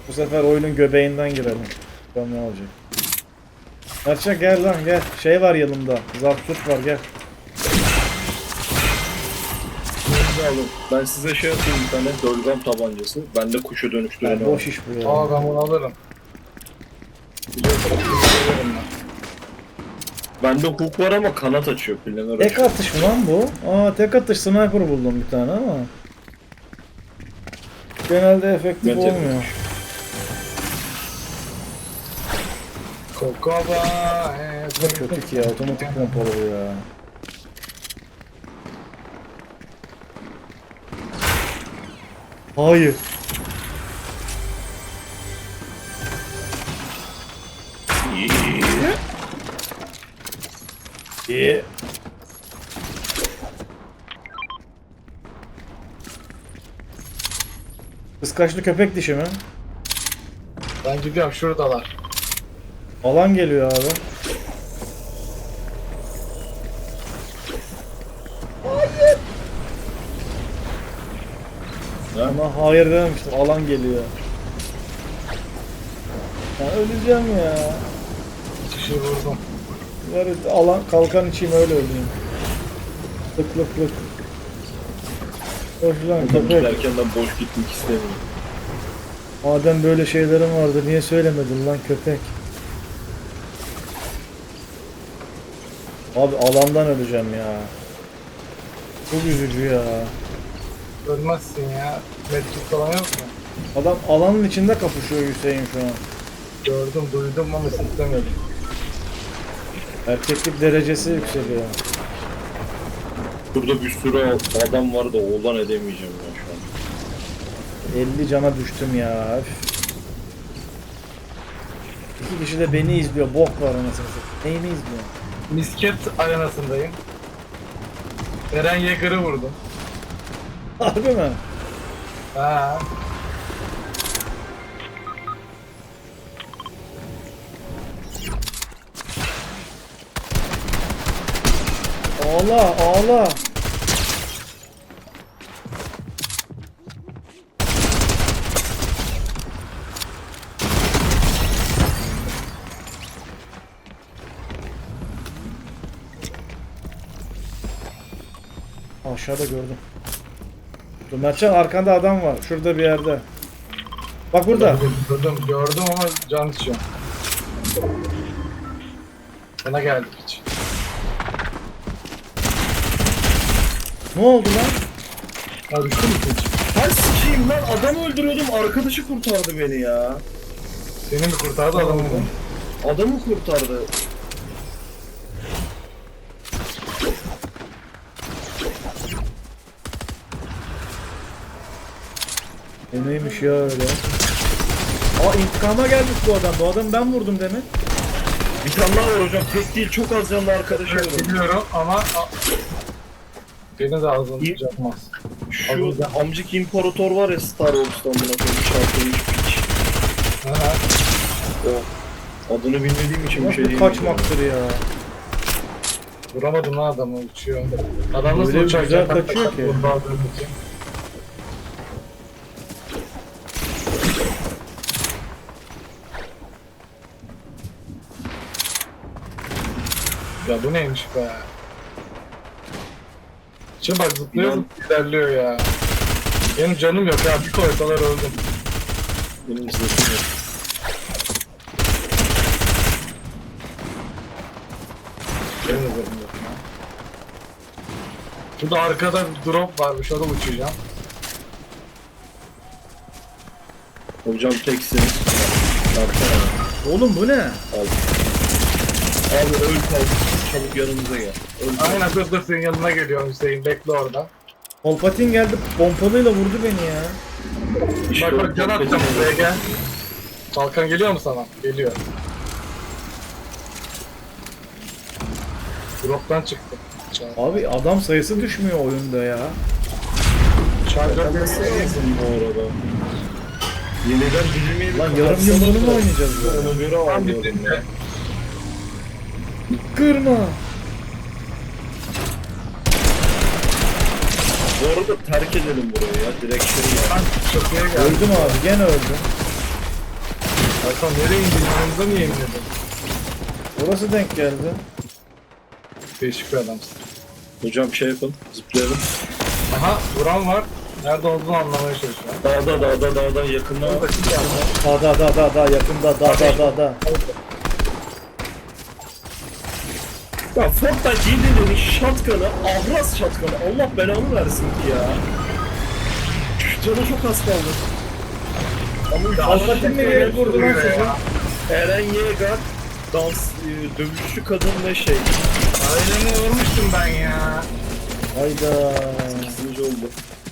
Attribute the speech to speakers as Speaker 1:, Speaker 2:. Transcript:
Speaker 1: Bu sefer oyunun göbeğinden girelim. Bakalım ne olacak. Mertcan gel lan gel. Şey var yanımda. Zapturt var gel.
Speaker 2: Ben size şey atayım, bir tane dölgam tabancası. Bende kuşa dönüştüren
Speaker 1: Yani boş iş bu ya.
Speaker 3: Aa ben bunu alırım.
Speaker 2: Bende hook var ama kanat açıyor planör
Speaker 1: Tek
Speaker 2: açıyor.
Speaker 1: atış mı lan bu? Aa tek atış sniper buldum bir tane ama. Genelde efektif
Speaker 2: Ben tek
Speaker 1: olmuyor.
Speaker 2: atış.
Speaker 3: Kokova.
Speaker 1: Bu da kötü ki ya, otomatik pompalı bu ya. Hayır. İyi. Kıskaçlı köpek dişi mi?
Speaker 3: Ben gidiyorum şuradalar.
Speaker 1: Alan geliyor abi. Ama hayır dememiştim. Alan geliyor. Ya öleceğim ya.
Speaker 3: Kişi vurdum.
Speaker 1: Ver alan kalkan içeyim öyle öleyim. Lık lık lık. Hoş lan
Speaker 2: Buradan
Speaker 1: köpek.
Speaker 2: giderken ben boş gitmek istemiyorum.
Speaker 1: Madem böyle şeylerin vardı niye söylemedin lan köpek? Abi alandan öleceğim ya. Çok üzücü ya.
Speaker 3: Ölmezsin ya. Medkit falan yok mu?
Speaker 1: Adam alanın içinde kapışıyor Hüseyin şu an.
Speaker 3: Gördüm duydum ama istemedim.
Speaker 1: Erkeklik derecesi yükseliyor.
Speaker 2: Burada bir sürü adam var da oğlan edemeyeceğim ya şu an.
Speaker 1: 50 cana düştüm ya. Üf. İki kişi de beni izliyor. Bok var anasını satayım. Neyimi izliyor?
Speaker 3: Misket arenasındayım. Eren Yeager'ı vurdum.
Speaker 1: Harbi mi?
Speaker 3: Ha.
Speaker 1: Ağla ağla. Aşağıda gördüm. Dur Mertcan arkanda adam var. Şurada bir yerde. Bak burada.
Speaker 3: Gördüm ama can içiyorum. Sana geldik hiç.
Speaker 1: Ne oldu lan?
Speaker 3: Ha düştü mü hiç?
Speaker 2: Ben sikeyim lan, adam öldürüyordum, arkadaşı kurtardı beni ya.
Speaker 3: Seni mi kurtardı adamı mı?
Speaker 2: Adamı kurtardı.
Speaker 1: O neymiş ya öyle? Aa intikama gelmiş bu adam. Bu adamı ben vurdum demin.
Speaker 2: Bir tane daha var hocam, tek değil çok az canlı arkadaşı var.
Speaker 3: Biliyorum ama beni de ağzını tutacakmaz.
Speaker 2: Şu amcık imparator var ya Star Wars'tan buna koymuş şartlamış piç.
Speaker 3: Ha.
Speaker 2: O adını bilmediğim için bir
Speaker 1: Nasıl
Speaker 2: şey
Speaker 1: bir
Speaker 2: diyemeyeceğim.
Speaker 1: kaçmaktır ya?
Speaker 3: Vuramadım lan adamı uçuyor. Adam nasıl
Speaker 1: Öyle
Speaker 3: uçacak?
Speaker 1: güzel kaçıyor ki.
Speaker 3: Ya bu neymiş be? Şimdi bak zıplıyor ilerliyor ya. Benim canım yok ya bir koysalar öldüm.
Speaker 2: Benim zırhım yok.
Speaker 3: Benim de zırhım yok ya. Şurada arkada bir drop varmış orada uçacağım.
Speaker 2: Hocam teksiniz. Baksana.
Speaker 1: Oğlum bu ne?
Speaker 2: Al. Abi öl kal. Çabuk yanımıza gel. Öl kal.
Speaker 3: Aynen dur senin yanına geliyor Hüseyin bekle orada.
Speaker 1: Kolpatin geldi pompalıyla vurdu beni ya.
Speaker 2: İşte
Speaker 3: Bak can atacağım buraya gel. Kalkan geliyor mu sana? Geliyor. Drop'tan çıktı.
Speaker 1: Abi adam sayısı düşmüyor oyunda ya.
Speaker 3: Charger
Speaker 2: Nasıl lazım bu arada? Yeniden dirilmeyi
Speaker 1: Lan yarım gün bunu mu oynayacağız ya?
Speaker 2: Ona göre ağlıyorum ya.
Speaker 1: Kırma.
Speaker 2: Bu arada terk edelim burayı ya. Direkt şey ya.
Speaker 3: Çatıya geldi.
Speaker 1: Öldüm abi gene öldüm.
Speaker 3: Hakan nereye indin? Yanımıza niye inmedin?
Speaker 1: Orası denk geldi.
Speaker 3: Değişik bir adamsın.
Speaker 2: Hocam şey yapın. Zıplayalım.
Speaker 3: Aha vuran var. Nerede olduğunu anlamaya çalışıyorum.
Speaker 2: Dağda yakında.
Speaker 1: Da yakında da.
Speaker 2: Ya Fortnite yediğinin shotgun'ı, ahraz shotgun'ı Allah belanı versin ki ya. Canı çok az kaldı.
Speaker 1: Alpatin nereye kurdu lan sizi?
Speaker 2: Eren Yeager, dövüşçü kadın ve şey.
Speaker 3: Ailemi vurmuştum ben ya.
Speaker 1: Hayda.
Speaker 2: 8. oldu.